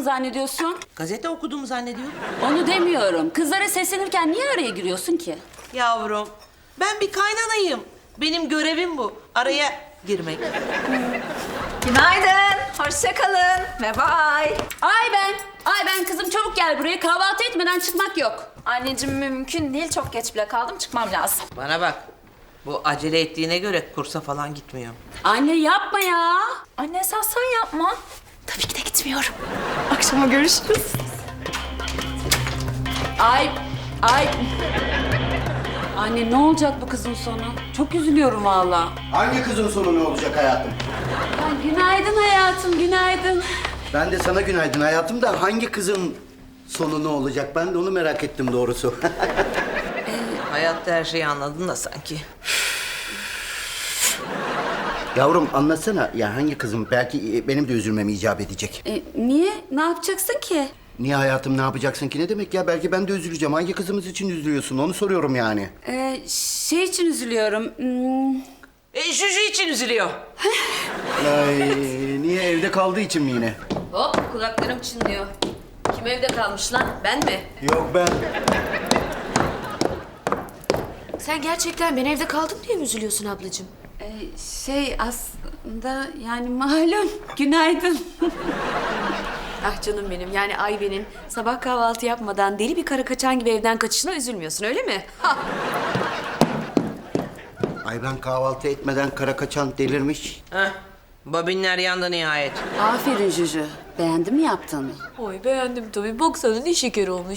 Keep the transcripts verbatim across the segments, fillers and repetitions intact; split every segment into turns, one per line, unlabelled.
zannediyorsun?
Gazete okuduğumu zannediyorum.
Onu demiyorum. Kızlara seslenirken niye araya giriyorsun ki?
Yavrum, ben bir kaynanayım. Benim görevim bu. Araya girmek.
Günaydın, hoşça kalın ve bye.
Ay ben, ay ben kızım çabuk gel buraya. Kahvaltı etmeden çıkmak yok.
Anneciğim mümkün değil, çok geç bile kaldım, çıkmam lazım.
Bana bak. Bu acele ettiğine göre kursa falan gitmiyor.
Anne yapma ya.
Anne esas sen yapma. Tabii ki de gitmiyorum. Akşama görüşürüz.
Ay, ay. Anne ne olacak bu kızın sonu? Çok üzülüyorum valla.
Hangi kızın sonu ne olacak hayatım?
Ay, günaydın hayatım, günaydın.
Ben de sana günaydın hayatım da hangi kızın sonu ne olacak? Ben de onu merak ettim doğrusu.
Hayatta her şeyi anladın da sanki.
Yavrum anlatsana ya hangi kızım? Belki benim de üzülmem icap edecek.
E, niye? Ne yapacaksın ki?
Niye hayatım ne yapacaksın ki ne demek ya? Belki ben de üzüleceğim. Hangi kızımız için üzülüyorsun onu soruyorum yani.
E, şey için üzülüyorum. Hmm,
E, Juju için üzülüyor.
Ay, niye evde kaldığı için mi yine?
hop kulaklarım çınlıyor. Kim evde kalmış lan? Ben mi?
Yok ben.
Sen gerçekten ben evde kaldım diye mi üzülüyorsun ablacığım?
E, şey aslında yani malum. Günaydın.
Ah canım benim, yani Ayben'in sabah kahvaltı yapmadan deli bir kara kaçan gibi evden kaçışına üzülmüyorsun öyle mi? Ha.
Ay ben kahvaltı etmeden kara kaçan delirmiş.
Heh, bobinler yandı nihayet.
Aferin Juju. Beğendin mi yaptığını?
Oy beğendim tabii, baksana ne şeker olmuş.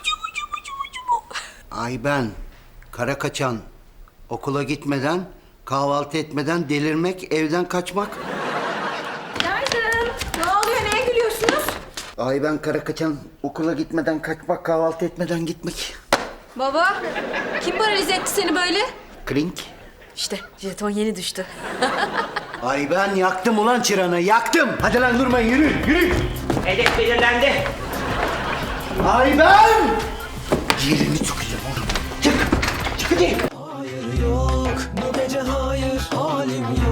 Ay ben kara kaçan okula gitmeden kahvaltı etmeden delirmek evden kaçmak.
Günaydın. Ne oluyor, neye gülüyorsunuz?
Ay ben kara kaçan okula gitmeden kaçmak kahvaltı etmeden gitmek.
Baba, kim paralize etti seni böyle?
Klink.
İşte jeton yeni düştü.
Ay ben yaktım ulan çıranı yaktım. Hadi lan durmayın yürü yürü.
Hedef belirlendi.
Ay ben. Yerini çıkacağım oğlum. Çık. Çık hadi.
Hayır yok bu gece hayır halim yok.